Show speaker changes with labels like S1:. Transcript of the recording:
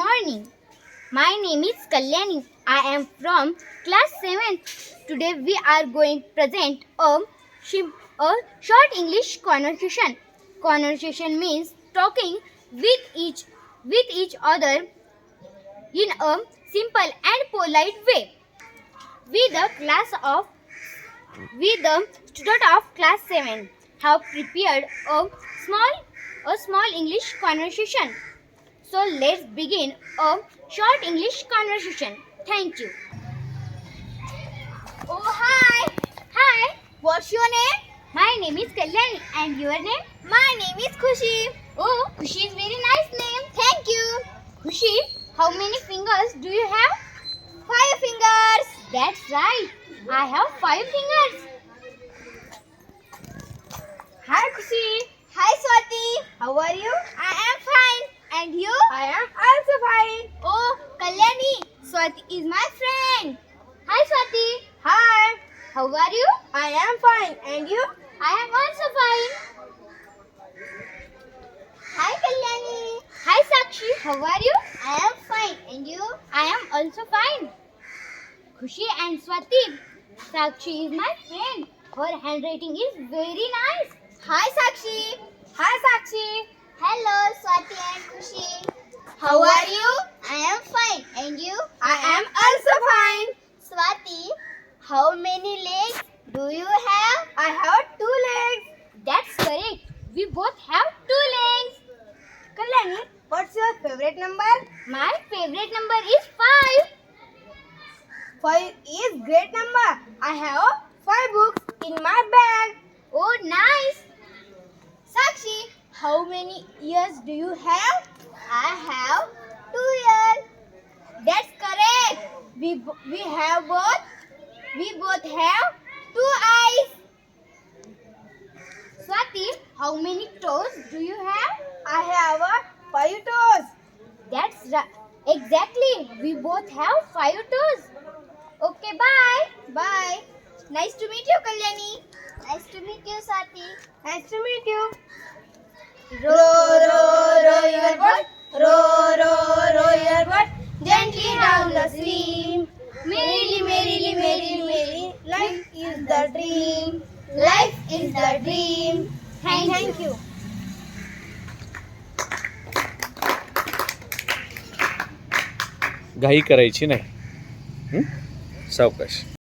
S1: morning. My name is Kalyani. I am from class 7th. Today we are going to present a short English conversation. Conversation means talking with each other in a simple and polite way. We the student of class 7 have prepared a small English conversation. So let's begin a short English conversation. Thank you.
S2: Oh, hi.
S1: Hi,
S2: What's your name?
S1: my name is Kalyani and your name?
S2: My name is Khushi.
S1: Oh, Khushi is very nice name.
S2: Thank you.
S1: Khushi, how many fingers do you have?
S2: 5 fingers.
S1: That's right. I have 5 fingers.
S2: Hi, Khushi. Hi, Swati. How are you? I am fine. And you? I am also fine. Oh, Kalyani. Swati is my friend.
S1: Hi Swati.
S2: Hi.
S1: How are you?
S2: I am fine. And you?
S1: I am also fine.
S2: Hi, Kalyani.
S1: Hi Sakshi. How are you?
S2: I am fine. And you?
S1: I am also fine. Khushi and Swati. Sakshi is my friend. Her handwriting is very nice.
S2: Hi, Sakshi. Hi, Sakshi.
S1: Hello Swati and Khushi.
S2: How are you?
S1: I am fine. And you?
S2: I am also fine.
S1: Swati, how many legs do you have?
S2: I have 2 legs.
S1: That's correct. We both have 2 legs.
S2: Kalyani, what's your favorite number?
S1: My favorite number is 5.
S2: 5 is great number. I have 5 books in my bag.
S1: Oh, nice.
S2: Sakshi, how many ears do you have?
S1: I have
S2: 2 ears. That's correct. We both have 2 eyes.
S1: Swati, how many toes do you have?
S2: I have 5 toes.
S1: That's right. Exactly. We both have 5 toes. Okay, bye.
S2: Bye. Nice to meet you, Kalyani.
S1: Nice to meet you, Swati.
S2: Nice to meet you.
S1: Row,
S2: row your boat. Row your boat. Gently down the stream. Merrily, merrily, merrily, merrily. Life is the dream. Life is the dream. Thank you.
S3: घाई करायची नाही. सावकाश.